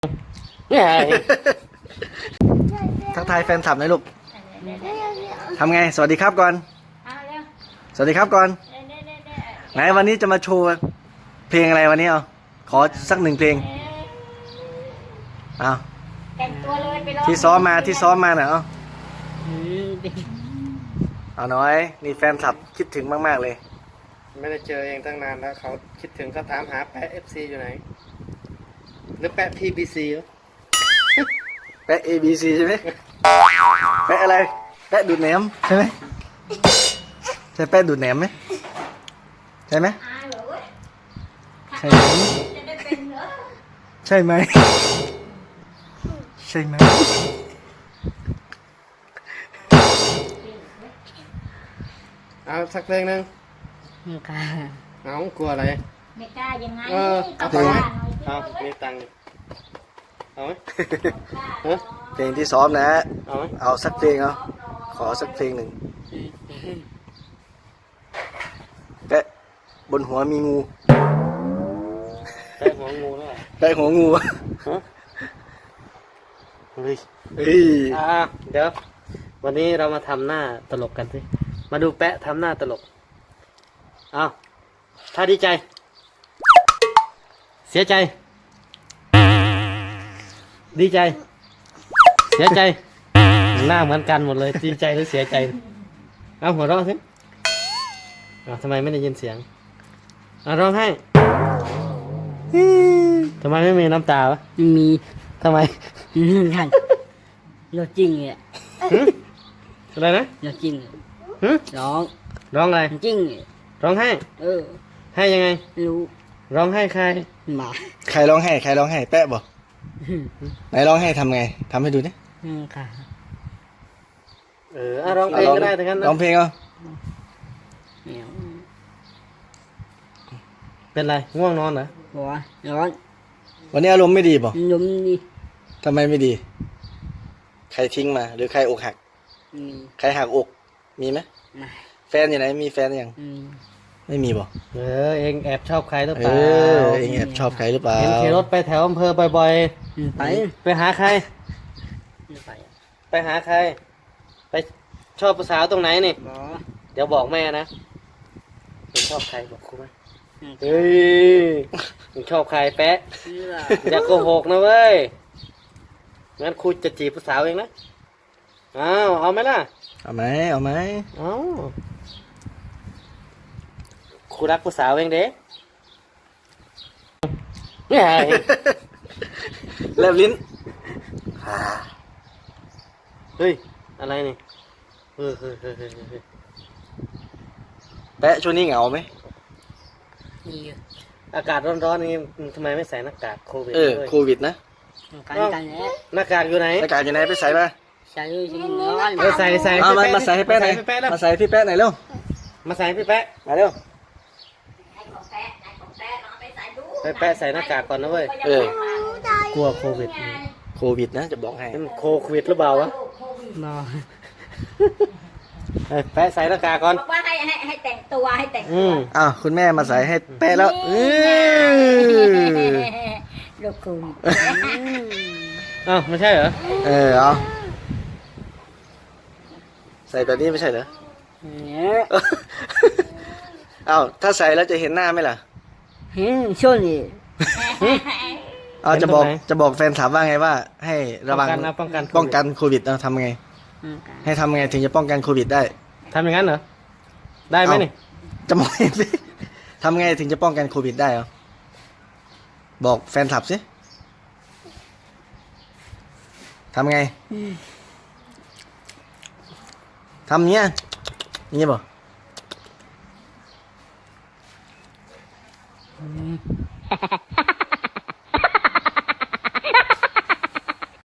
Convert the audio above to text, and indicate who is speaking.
Speaker 1: ทักทายแฟนคลับหน่อยลูกทำไงสวัสดีครับก่อนสวัสดีครับก่อนไหนวันนี้จะมาโชว์เพลงอะไรวันนี้เอาขอสักหนึ่งเพลงเอาที่ซ้อมมาหน่อยเอาน้อยนี่แฟนคลับคิดถึงมากๆเลย
Speaker 2: ไม่ได้เจอเองตั้งนานแล้วเขาคิดถึงเขาถามหาแปะ FC อยู่ไหนหรือแปะ PBC
Speaker 1: แปะ ABC ใช่ไหมแปะอะไรแปะดูดแหนมใช่ไหมใช่แปะดูดแหนมไหมใช่ไหมใช่ไหมใช่ไหมใช่ไหม
Speaker 2: เอาสักเพลงหนึ่ง
Speaker 3: ไม่กล้า
Speaker 2: เอากลัวอะไร
Speaker 3: ไม่กล้ายังไง
Speaker 2: เอาเพลงไหมเอามีตังค์เอาไหมฮะ
Speaker 1: เพลงที่ซ้อมนะ
Speaker 2: เอาไหม
Speaker 1: เอาสักเพลงเอาขอสักเพลงหนึ่งแปะบนหัวมีงู
Speaker 2: แปะหัวงูแล้วเหรอ
Speaker 1: แปะหัวงู
Speaker 2: ฮะเฮ้ย
Speaker 1: เฮ้ย
Speaker 2: เดี๋ยววันนี้เรามาทำหน้าตลกกันสิมาดูแปะทำหน้าตลกเอาถ้าดีใจ เสียใจ ดีใจ เสียใจ หน้าเหมือนกันหมดเลยดีใจหรือเสียใจเอาหัวเราะสิทำไมไม่ได้ยินเสียงร้องไห้ทำไมไม่มีน้ำตาวะ
Speaker 3: มี
Speaker 2: ทำไม
Speaker 3: ท่านเราจริงเนี่ย
Speaker 2: อะไรนะ
Speaker 3: เราจริง
Speaker 2: หึ
Speaker 3: ร้อง
Speaker 2: ร้องอะไร
Speaker 3: จริง
Speaker 2: ร้องไห้ ให้ยังไง
Speaker 3: รู้
Speaker 2: ร้องไห้ใคร
Speaker 3: หมา
Speaker 1: ใครร้องไห้ใครร้องไห้แปะบอกไหนร้องไห้ทำไงทำให้ดูดิ
Speaker 3: ค่ะ
Speaker 2: ร้องเพลงก็ได้ทั้งนั้นนะ
Speaker 1: ร้องเพลงเอา
Speaker 3: เหนียว
Speaker 2: เป็นไรง่วงนอนเหรอ
Speaker 3: บอกว่าร้อน
Speaker 1: วันนี้อารมณ์ไม่ดีป่ะ
Speaker 3: ล้มนี่
Speaker 1: ทำไมไม่ดี ใครทิ้งมาหรือใครอกหัก
Speaker 3: มี
Speaker 1: ใครหักอกมีไหม
Speaker 3: มา
Speaker 1: แฟนอยู่ไหนมีแฟนยังไม่มีป่ะ
Speaker 2: เองแอบชอบใครหรือ
Speaker 1: เอ
Speaker 2: เปล่า
Speaker 1: อเองแอบชอบใครหรือเปล่า
Speaker 2: เห็นขี่รถไปแถวอำเภอบ่อย
Speaker 3: ไป
Speaker 2: ๆไปหาใคร
Speaker 3: ไป
Speaker 2: ไปหาใคร ไปชอบผู้สาวตรงไหนนี่
Speaker 3: บอก
Speaker 2: เดี๋ยวบอกแม่นะเองชอบใครบอกครูไหม
Speaker 3: เอ
Speaker 2: เฮ้ยเองชอบใครแปะ
Speaker 3: ชื่อ
Speaker 2: อย่าโกหกนะเว้ยงั้นครูจะจีบผู้สาวเองนะเอาไหมล่ะ
Speaker 1: เอาไหมเอาไหม
Speaker 2: เอาครูรักผู้สาวเองเด้
Speaker 1: แลบลิ้น
Speaker 2: เฮ้ยอะไรนี่เฮ้ย
Speaker 1: แปะช่วงนี้เหงาไหม
Speaker 3: มี
Speaker 2: อากาศร้อนๆนี่ทำไมไม่ใส่หน้ากากโควิด
Speaker 1: โค
Speaker 2: ด้วย
Speaker 1: วิดนะ
Speaker 3: กันแล้ว
Speaker 2: หน้ากากอยู่ไหน
Speaker 1: หน้ากากอยู่ไหนไปใส่มา
Speaker 3: ใส่เลยร้อน
Speaker 2: ใส่
Speaker 1: เอามาใส่ให้แปะหน่อย
Speaker 2: แปะแล้ว
Speaker 1: มาใส่ให้พี่แปะหน่อยเร็ว
Speaker 2: มาใส่ให้พี่แปะ
Speaker 1: มาเร็ว
Speaker 2: ไปแปะใส่หน้ากากก่อนนะเว้ย กลัวโควิด
Speaker 1: โควิดนะจะบอกให้
Speaker 2: นั่นโควิดหรือเปล่าวะ
Speaker 3: นอน
Speaker 2: ไปแปะใส่หน้ากากก่อน
Speaker 4: บอกว่าให้แต่งตัวให้แต่ง
Speaker 2: อื
Speaker 4: ตัว
Speaker 2: ม
Speaker 1: อ้าวคุณแม่มาใส่ให้แปะแล้ว
Speaker 4: ลูกคุณ
Speaker 2: อ้าวไม่ใช่เหรอ
Speaker 1: เอาใส่แบบนี้ไม่ใช่เหรอ
Speaker 3: เนี่ย
Speaker 1: อ้าวถ้าใส่แล้วจะเห็นหน้าไหมล่ะ
Speaker 3: ช่วงนี้
Speaker 1: เอาจะบอกแฟนถามว่าไงว่า ให้ระวัง
Speaker 2: ป้องกัน
Speaker 1: ป้องกันโควิดเอาทำไง ให้ทำไงถึงจะป้องกันโควิดได้
Speaker 2: ทำอย่างนั้นเหรอ ได้ไหมนี่
Speaker 1: จะมองเห็นสิทำไงถึงจะป้องกันโควิดได้เอาบอกแฟนคลับสิทำไงทำเงี้ยนี่บ่